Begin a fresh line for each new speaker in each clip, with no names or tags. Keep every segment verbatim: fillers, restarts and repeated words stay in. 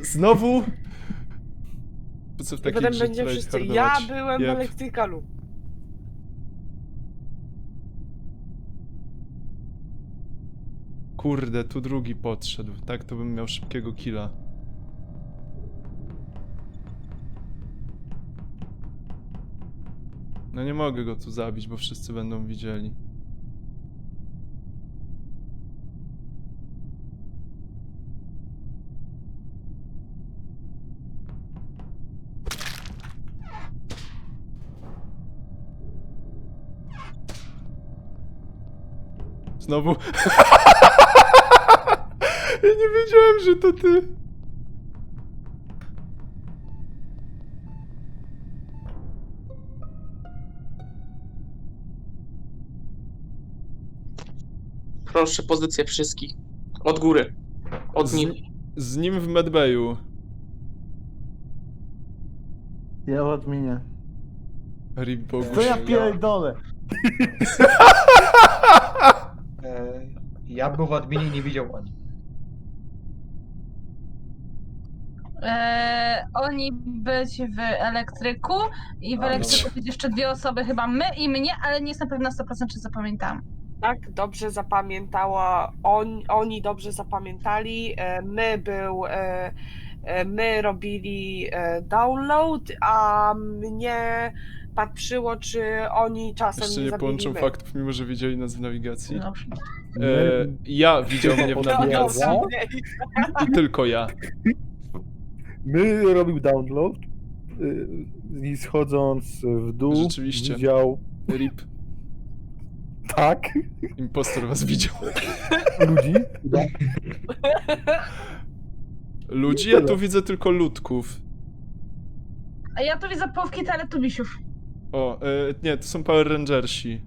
Znowu? Po co w
I
takiej
potem
grze
będzie wszyscy. Ja
tryhardować?
byłem w
Jeb.
elektrykalu.
Kurde, tu drugi podszedł. Tak to bym miał szybkiego killa. No nie mogę go tu zabić, bo wszyscy będą widzieli. Znowu. Ja nie wiedziałem, że to ty.
Proszę, pozycję wszystkich. Od góry. Od
Z,
nich.
z nim w medbayu.
Ja w adminie.
Rip Boguś.
To ja pierdolę.
E, ja był w adminie i nie widział ani.
Eee, oni być w elektryku i w
A,
elektryku
dobra.
być jeszcze dwie osoby, chyba my i mnie, ale nie jestem pewna na sto procent, czy zapamiętam.
Tak, dobrze zapamiętała. On, oni dobrze zapamiętali. E, My był. e, e, My robili e, download, a mnie patrzyło, czy oni czasem
Jeszcze
nie
nie
zabili
połączą
my.
faktów, mimo że widzieli nas w nawigacji.
Dobrze.
E, ja widział mnie w
No,
nawigacji.
no,
I tylko ja.
My robił download y, i schodząc w dół
Rzeczywiście.
widział
Rip.
tak
Impostor was widział.
ludzi. Tak.
Ludzi? Ja tu widzę tylko ludków.
A ja tu widzę połówki teletubisiów.
O, e, nie, to są Power Rangersi.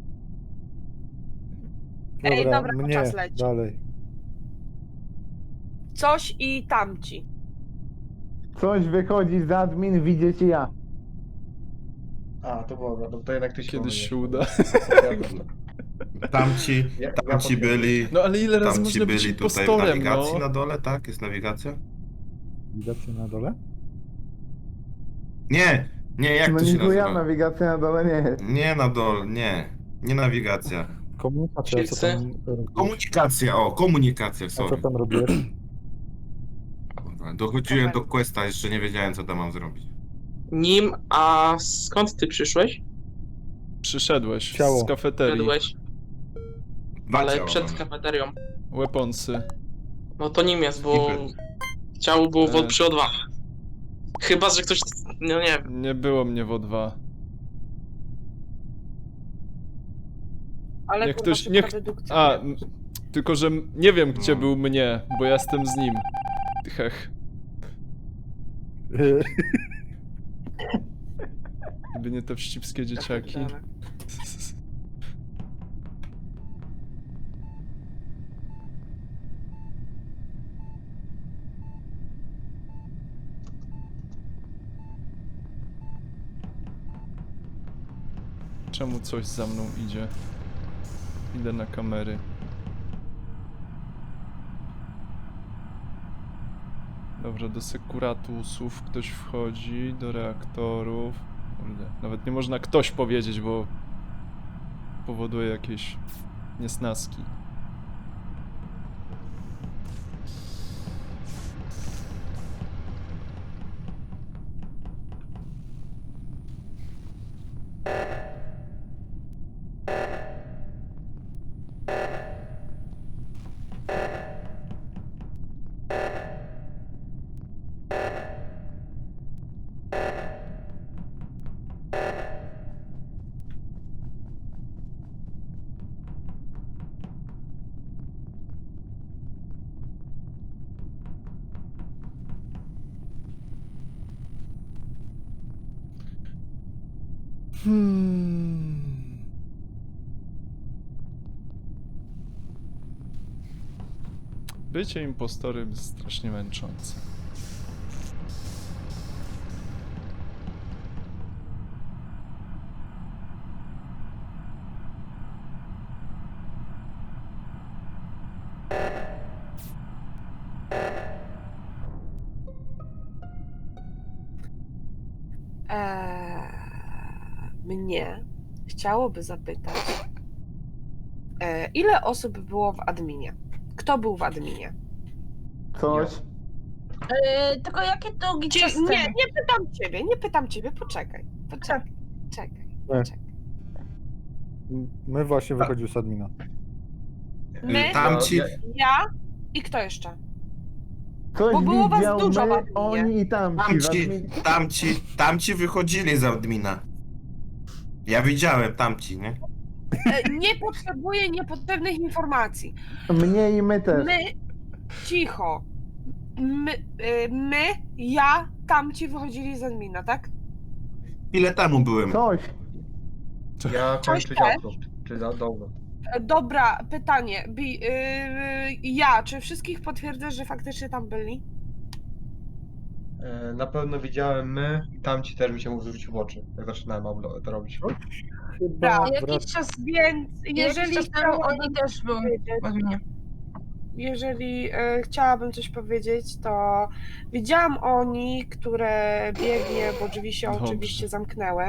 Ej,
Dobra,
dobra, bo
mnie
czas leci.
dalej.
Coś i tamci.
Coś wychodzi z admin, widzicie ja.
A, to było, no to jednak ty się
Kiedyś się
pomyliłeś.
uda.
Ja-
Tamci,
ja-
tamci
ja
byli,
No ale ile razy
tamci
można być
byli tutaj w
impostorem,
nawigacji
no?
na dole, tak? Jest nawigacja?
Widzicie na dole?
Nie, nie, jak
no
to się
nikuja,
nazywa?
nawigacja na dole nie jest.
Nie na dole, nie, nie nawigacja.
Komunikacja, co
Wszyscy?
tam robisz?
Komunikacja, o, komunikacja,
A co
sorry.
tam robisz?
Kurwa, Dochodziłem do questa, jeszcze nie wiedziałem, co tam mam zrobić.
Nim, a skąd ty przyszłeś?
Przyszedłeś
Ciało.
z kafeterii.
Szedłeś,
Dwa
ale
ciała
przed
mamy.
kafeterią.
Weaponsy.
No to nim jest, bo
Skipper.
ciało było w
E.
przy O dwa. Chyba, że ktoś... No nie wiem.
Nie było mnie w O dwa.
Ale
Niech
kurwa,
ktoś-
szybka
niech-
dedukcja.
A, m- tylko że m- nie wiem, gdzie
No.
był mnie, bo ja jestem z nim. Hech. Gdyby nie te wścibskie dzieciaki.
pierdolę.
Czemu coś za mną idzie? Idę na kamery. Dobrze, do sekuratusów ktoś wchodzi, do reaktorów. Kurde, nawet nie można ktoś powiedzieć, bo powoduje jakieś niesnaski. Hmm. Bycie impostorem jest strasznie męczące.
Eee, mnie chciałoby zapytać, e, ile osób było w adminie? Kto był w adminie?
Coś.
Yy, tylko jakie długi
Czy,
czas
nie,
temu?
nie pytam ciebie, nie pytam ciebie, poczekaj, poczekaj, czekaj, poczekaj.
My właśnie wychodził z admina.
My,
Tamci,
Ja-
ja i kto jeszcze?
Coś
Bo było was
widział
dużo w
my,
adminie.
oni i tamci. w
tamci,
admin-
tamci, tamci wychodzili z admina. Ja widziałem tamci, nie?
E, Nie potrzebuję niepotrzebnych informacji.
Mnie i my też.
My, cicho. My, y, my, ja, tamci wychodzili z admina, tak?
Ile temu byłem?
Coś.
Ja
Coś
kończę
też?
działko. Czy za długo?
E, Dobra, pytanie. Bi, y, ja, czy wszystkich potwierdzasz, że faktycznie tam byli?
E, Na pewno widziałem my i tamci też mi się mógł zwrócić w oczy, jak zaczynałem oblo- to robić.
Chyba
A
wrac-
jakiś czas,
Więc
jeżeli
jeżeli
czas temu
chciałabym
oni też byli
powiedzieć,
w adminie.
jeżeli e, chciałabym coś powiedzieć, to widziałam oni, które biegnie, bo drzwi się
Dobrze.
oczywiście zamknęły.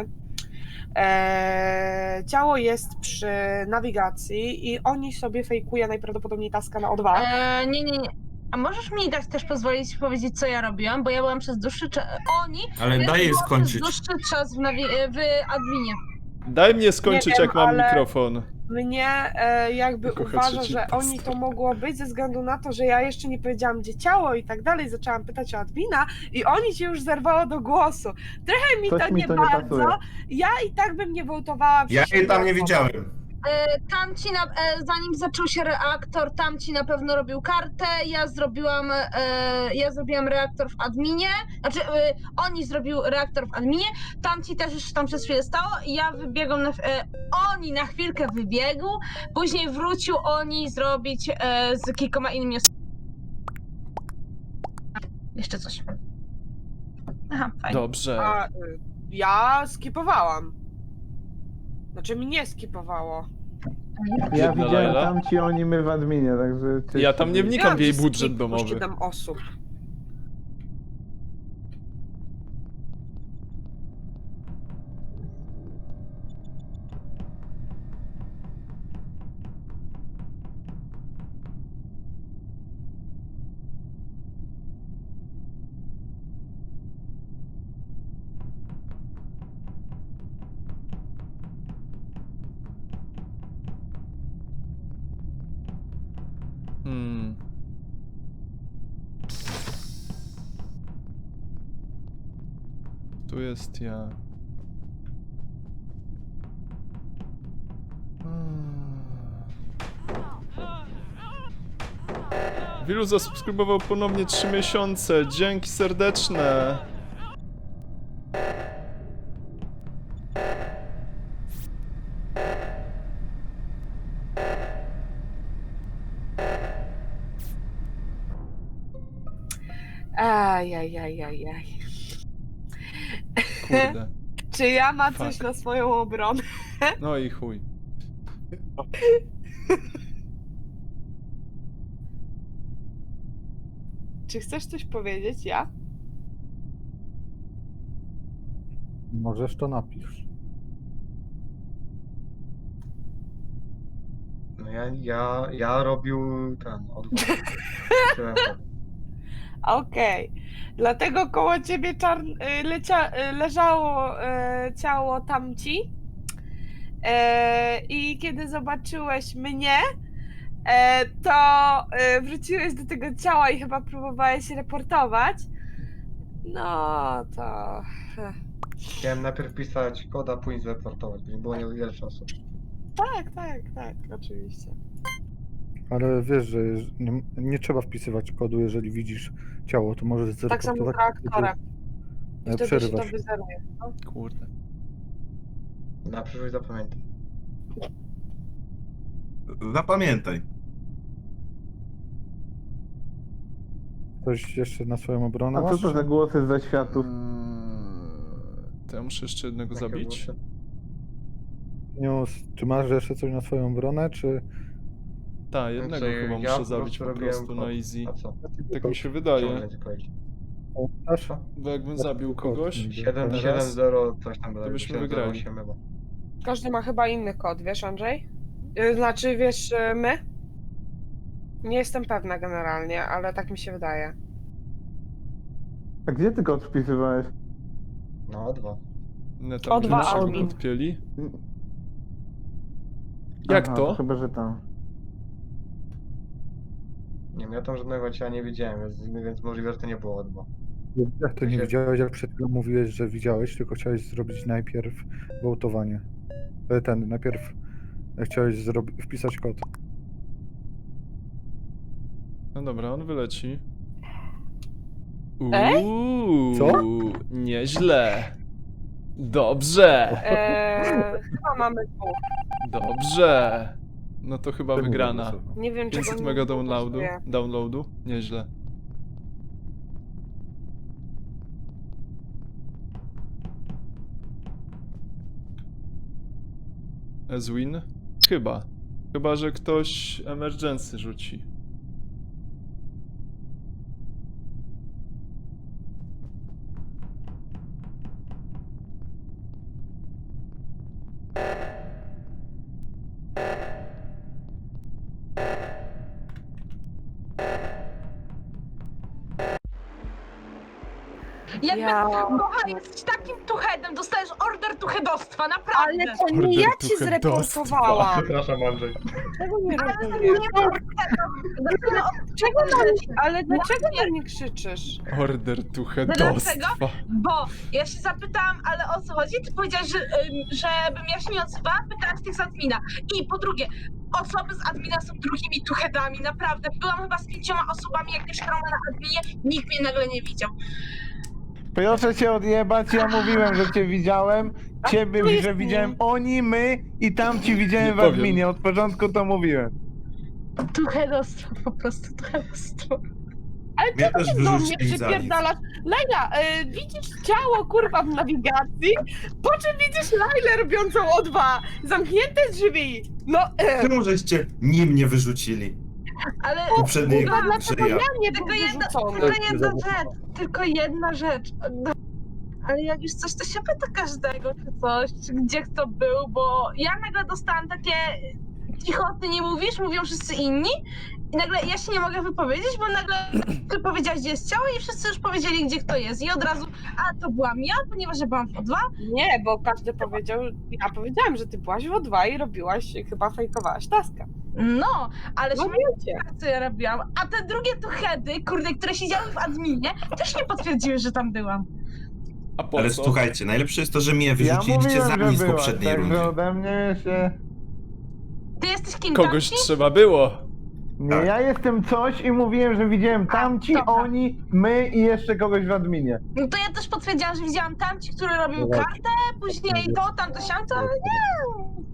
E, ciało jest przy nawigacji i oni sobie fejkuje najprawdopodobniej taska na O dwa.
E, nie, nie, nie. A możesz mi dać też pozwolić powiedzieć, co ja robiłam, bo ja byłam przez dłuższy czas. Oni.
Ale
ja
daj jej
byłam
skończyć.
Przez dłuższy czas w, nawi- w adminie.
Daj mnie skończyć,
Nie wiem,
jak mam
ale-
mikrofon.
Mnie e, jakby
Kocha
uważa,
trzeci
że oni
impostor.
to mogło być ze względu na to, że ja jeszcze nie powiedziałam, gdzie ciało i tak dalej. Zaczęłam pytać o admina i oni się już zerwało do głosu. Trochę mi
Coś
to
mi
nie
to nie
bardzo.
pasuje.
Ja i tak bym nie wołtowała.
Ja
przy
jej tam nie
siebie.
widziałem.
E, tamci, na, e, zanim zaczął się reaktor, tamci na pewno robił kartę, ja zrobiłam, e, ja zrobiłam reaktor w adminie, znaczy e, oni zrobił reaktor w adminie, tamci też już tam przez chwilę stało i ja wybiegłam, na, e, oni na chwilkę wybiegł, później wrócił oni zrobić e, z kilkoma innymi osobami. Jeszcze coś. Aha, fajnie.
Dobrze.
A, y, ja skipowałam. Znaczy mnie skipowało.
Ja
Jedna
widziałem
Laila.
tamci, oni my w adminie, także... czy-
Ja tam nie wnikam
Wiedziałam,
w jej
że
budżet
skip, bo
domowy.
siedem osób.
Hmm. Tu jest ja. Wielu zasubskrybował ponownie trzy miesiące. Dzięki serdeczne.
Ajajajajaj.
Kurde.
Czy ja ma coś
Fuck.
na swoją obronę?
No i chuj.
Czy chcesz coś powiedzieć, ja?
Możesz to napisz.
No ja, ja, ja robił ten odwrót.
Okej. Dlatego koło ciebie czarn... y, lecia... y, leżało y, ciało tamci. E, I kiedy zobaczyłeś mnie, e, to e, wróciłeś do tego ciała i chyba próbowałeś reportować. No to.
Chciałem najpierw pisać koda, później zreportować, bo nie było niewiele czasu.
Tak, tak, tak, oczywiście.
Ale wiesz, że jeż- nie, nie trzeba wpisywać kodu, jeżeli widzisz ciało, to możesz
Tak samo z
zreportować.
reaktorem. I
e,
wtedy się to
Przerywasz.
wyzeruje.
Kurde.
Na przyszłość zapamiętaj.
Zapamiętaj.
Coś jeszcze na swoją obronę
A co
masz?
to za głosy ze światów?
Mm, To ja muszę jeszcze jednego
Jakie
zabić.
głosy?
News, czy masz jeszcze coś na swoją obronę, czy...
Tak, jednego
Znaczy,
chyba
ja
muszę
po
zabić
prostu
po
robiłem
prostu
kod.
na easy.
A co?
Tak mi się
Chciałem
wydaje.
więcej powiedzieć.
Pamiętasz?
Bo jakbym zabił kogoś,
siedem
Teraz?
siedem zero coś tam było.
To byśmy
siedem zero osiem
wygrali.
chyba.
Każdy ma chyba inny kod, wiesz, Andrzej? Y, Znaczy, wiesz, y, my? Nie jestem pewna generalnie, ale tak mi się wydaje.
A gdzie ty kod wpisywałeś?
No, dwa.
no tam
O dwa
naszego
admin.
podpięli. Jak
Aha,
to?
Chyba, że tam.
Nie wiem, ja tam żadnego ciała nie widziałem, więc, więc możliwe, że to nie było o dwa.
Jak to nie
się-
widziałeś, jak przed chwilą mówiłeś, że widziałeś, tylko chciałeś zrobić najpierw wołtowanie. E, Ten, najpierw chciałeś zrobi- wpisać kod.
No dobra, on wyleci.
Ej?
Uuu,
Co?
nieźle. Dobrze,
Eee, chyba mamy dwóch.
dobrze. No to chyba
Czemu
wygrana.
zagłosował?
Nie wiem, czego
pięćset
mi
mega
nie
downloadu.
pasuje.
Downloadu? Nieźle. Ezwin? Chyba. Chyba, że ktoś emergency rzuci.
Jakby
Ja...
Gocha jesteś takim tuchedem, dostajesz order tuchedostwa, naprawdę.
Ale to
Order
nie ja ci
tuchedostwa.
zreportowałam.
Przepraszam, Andrzej.
Czego nie
Ale
rozumiem?
nie Dlaczego?
Czego na mnie, ale dlaczego na mnie krzyczysz?
Order tuchedostwa.
Bo ja się zapytałam, ale o co chodzi? Ty powiedziałeś, że, ym, żebym ja się nie odzywała, pytałam z tych z admina. I po drugie, osoby z admina są drugimi tuchedami, naprawdę. Byłam chyba z pięcioma osobami, jak mieszkałam na adminie, nikt mnie nagle nie widział.
Proszę cię odjebać, ja mówiłem, że cię widziałem. Ciebie,
tu jest
że
nim.
widziałem oni, my i tam ci widziałem
Nie
w
powiem.
adminie. Od początku to mówiłem.
Tuchedostwo, po prostu tuchedostwo.
Ale
Mnie
czego
też
ty do mnie
wyrzucili za nic.
przypierdalasz? Laila, y, widzisz ciało, kurwa, w nawigacji? Po czym widzisz Lailę robiącą O dwa? Zamknięte drzwi! No, e,
Czemu żeście nim nie wyrzucili?
Ale
Poprzedniej
kurwa,
grze
dlaczego
ja.
ja nie był
Tylko jedna,
wyrzucony?
tylko jedna rzecz, tylko jedna rzecz. No, ale jak już coś, to się pyta każdego, czy coś, czy gdzie kto był, bo ja nagle dostałam takie cicho, ty nie mówisz, mówią wszyscy inni i nagle ja się nie mogę wypowiedzieć, bo nagle ty powiedziałaś, gdzie jest ciało i wszyscy już powiedzieli, gdzie kto jest i od razu, a to byłam ja, ponieważ ja byłam w O dwa.
Nie, bo każdy powiedział, ja powiedziałam, że ty byłaś w O dwa i robiłaś, chyba fejkowałaś taskę.
No, ale
No
się
wiecie.
co ja robiłam, a te drugie tuchedy, kurde, które siedziały w adminie, też nie potwierdziły, że tam byłam.
A po
Ale
co?
słuchajcie, najlepsze jest to, że mnie
Ja
wyrzuciliście za
mówiłem,
nic
że
w
byłaś,
poprzedniej
także
rundzie.
ode mnie się...
Ty jesteś kim
Kogoś
tamci?
trzeba było.
Nie,
Tak.
ja jestem coś i mówiłem, że widziałem tamci,
dobra.
oni, my i jeszcze kogoś w adminie.
No to ja też potwierdziłam, że widziałam tamci, który robił
Dobra.
kartę, później to, tamto, siamto, ale nie.